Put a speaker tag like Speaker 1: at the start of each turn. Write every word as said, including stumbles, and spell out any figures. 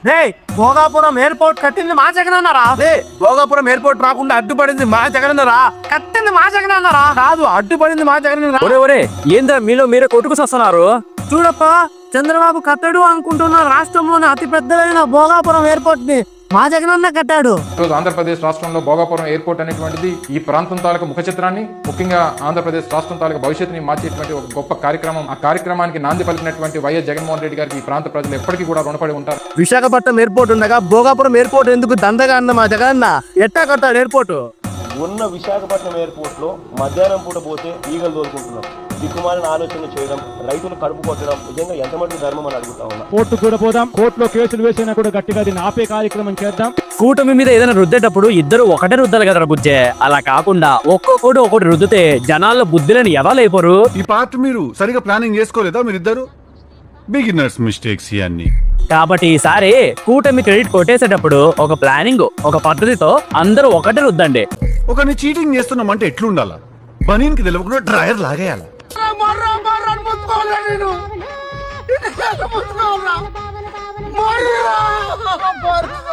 Speaker 1: Bhogapuram airport కట్టింది మా జగన్ అన్నారా? భోగాపురం ఎయిర్పోర్ట్ రాకుండా అడ్డుపడింది మా జగన్ అన్నారా? కట్టింది మా జగన్ అన్నారా? కాదు, అడ్డుపడింది మా జగన్.
Speaker 2: ఒరే ఒరే ఏందా మీలో మీరే కొట్టుకుసొస్తున్నారు?
Speaker 1: చూడప్ప, చంద్రబాబు కట్టడు అనుకుంటున్న రాష్ట్రంలోని అతి పెద్దదైన భోగాపురం ఎయిర్పోర్ట్ ని మా జగనన్న కట్టాడు.
Speaker 3: ఈరోజు ఆంధ్రప్రదేశ్ రాష్ట్రంలో భోగాపురం ఎయిర్పోర్ట్ అనేటువంటిది ఈ ప్రాంతం తాలూకు ముఖ చిత్రాన్ని, ముఖ్యంగా ఆంధ్రప్రదేశ్ రాష్ట్రం తాలూకు భవిష్యత్తుని మార్చేటువంటి ఒక గొప్ప కార్యక్రమం. ఆ కార్యక్రమానికి నాంది పలికినటువంటి వైఎస్ జగన్మోహన్ రెడ్డి గారికి ఈ ప్రాంత ప్రజలు ఎప్పటికీ కూడా రుణపడి ఉంటారు.
Speaker 1: విశాఖపట్నం ఎయిర్పోర్ట్ ఉండగా భోగాపురం ఎయిర్పోర్ట్ ఎందుకు దండగా అన్న మా జగనన్న ఎట్టా కట్టాడు ఎయిర్పోర్ట్?
Speaker 4: ఉన్న విశాఖపట్నం ఎయిర్పోర్ట్ లో మధ్యాహ్నం పూట పోతే ఈగలు తోలుకుంటున్నాం. దిక్కుమాలిన ఆలోచనలు చేయడం, రైతులు కడుపు కొట్టడం నిజంగా ఎంతమంది ధర్మం అని అడుగుతా ఉన్నా.
Speaker 5: కోర్టు కూడా పోదాం, కోర్టులో కేసులు వేసినా కూడా గట్టిగా దీన్ని ఆపే కార్యక్రమం చేద్దాం.
Speaker 2: కూటమి మీద ఏదైనా రుద్దేటప్పుడు ఇద్దరు ఒకటే రుద్దాలి కదా బుజ్జే. అలా కాకుండా ఒక్కొక్కటి ఒక్కటి రుద్దితే జనాల్లో బుద్ధిలేని ఎవరైపోరు.
Speaker 6: ఈ పార్ట్ మీరు సరిగా ప్లానింగ్ చేసుకోలేదా? మీరిద్దరు బిగినర్స్ మిస్టేక్స్ ఇవన్నీ.
Speaker 2: కాబట్టి ఈసారి కూటమి క్రెడిట్ కొట్టేసేటప్పుడు ఒక ప్లానింగ్, ఒక పద్ధతితో అందరూ ఒకటే రుద్దండి.
Speaker 6: ఒకరిని చీటింగ్ చేస్తున్నామంటే ఎట్లుండాలా? బనీన్ కి తెలియకుండా డ్రైయర్ లాగేయాలి.
Speaker 1: నేను